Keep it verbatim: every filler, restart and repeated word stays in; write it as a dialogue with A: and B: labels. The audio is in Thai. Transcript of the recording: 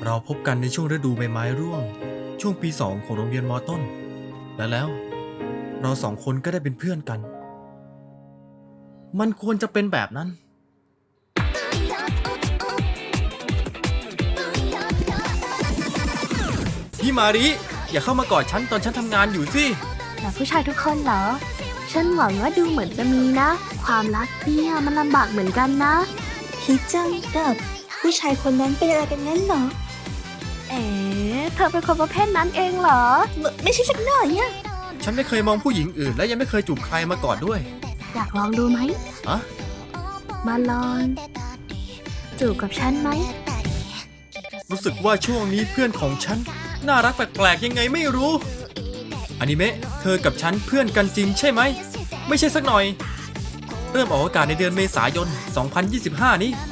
A: เราพบกันในช่วงฤดูใบไม้ร่วงช่วงปีสองของโรงเรียนม.ต้นและแล้วเราสองคนก็ได้เป็นเพื่อนกันมันควรจะเป็นแบบนั้นพี่มาริอย่าเข้ามากอดฉันตอนฉันทำงานอยู่สิ
B: แต่ผู้ชายทุกคนเหรอฉันหวังว่าดูเหมือนจะมีนะความรักเนี่ยมันลำบากเหมือนกันนะ
C: ฮิจังกับผู้ชายคนนั้นเป็นอะไรกันงั้นเหรอ
B: เอ๋เธอเป็นคนประเภทนั้นเองเหรอ
C: ไมไม่ใช่สักหน่อยอะ
A: ฉันไม่เคยมองผู้หญิงอื่นและยังไม่เคยจูบใครมาก่อนด้วย
B: อยากลองดูไหม
A: อะ
B: มาลองจูบกับฉันไหม
A: รู้สึกว่าช่วงนี้เพื่อนของฉันน่ารักแปลกๆยังไงไม่รู้อนิเมะเธอกับฉันเพื่อนกันจริงใช่ไหมไม่ใช่สักหน่อยเริ่มออกอากาศในเดือนเมษายน สองพันยี่สิบห้า นี้